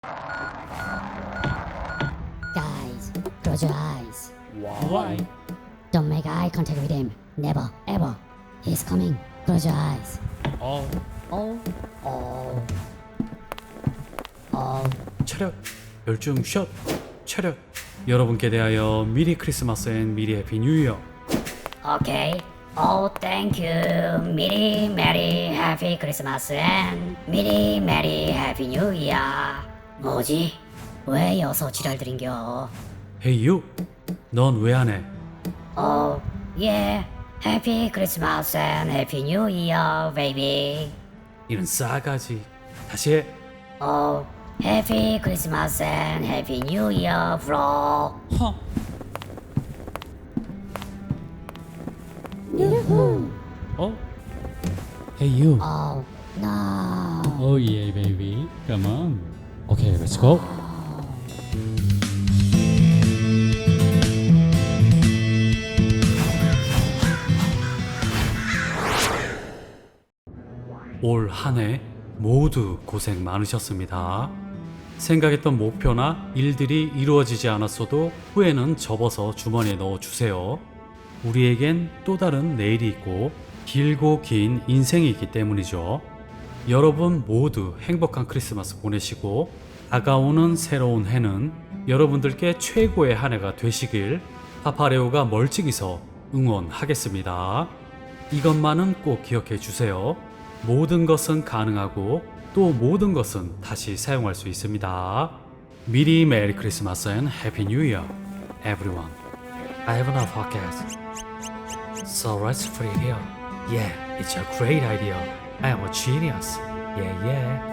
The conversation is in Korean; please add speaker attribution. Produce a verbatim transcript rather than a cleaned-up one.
Speaker 1: Guys, close your eyes.
Speaker 2: Why?
Speaker 1: Don't make eye contact with him. Never, ever. He's coming. Close your eyes.
Speaker 2: 어,
Speaker 1: Oh, oh, oh.
Speaker 2: 차렷, 열중 샷, 차렷. 여러분께 대하여 미리 크리스마스 앤 미리 해피 뉴 이어.
Speaker 1: Okay. Oh, thank you. Merry, Merry, Happy Christmas and Merry, Merry, Happy New Year. 뭐지? 왜 여서 지랄들인겨?
Speaker 2: Hey you, 넌 왜 안 해?
Speaker 1: Oh, yeah. Happy Christmas and Happy New Year, baby.
Speaker 2: 이런 싸가지. 다시 해.
Speaker 1: Oh, Happy Christmas and Happy New Year, bro.
Speaker 2: 허. 어? Hey you.
Speaker 1: Oh, no.
Speaker 3: Oh yeah, baby. Come on. Okay, let's go.
Speaker 2: 올 한 해 모두 고생 많으셨습니다. 생각했던 목표나 일들이 이루어지지 않았어도 후회는 접어서 주머니에 넣어주세요. 우리에겐 또 다른 내일이 있고 길고 긴 인생이 있기 때문이죠. 여러분 모두 행복한 크리스마스 보내시고 다가오는 새로운 해는 여러분들께 최고의 한 해가 되시길 파파레오가 멀찍이서 응원하겠습니다. 이것만은 꼭 기억해 주세요. 모든 것은 가능하고 또 모든 것은 다시 사용할 수 있습니다. 미리 메리 크리스마스 앤 해피 뉴 이어 everyone. I have enough podcast. So let's free here. Yeah, it's a great idea. I am a genius. Yeah, yeah.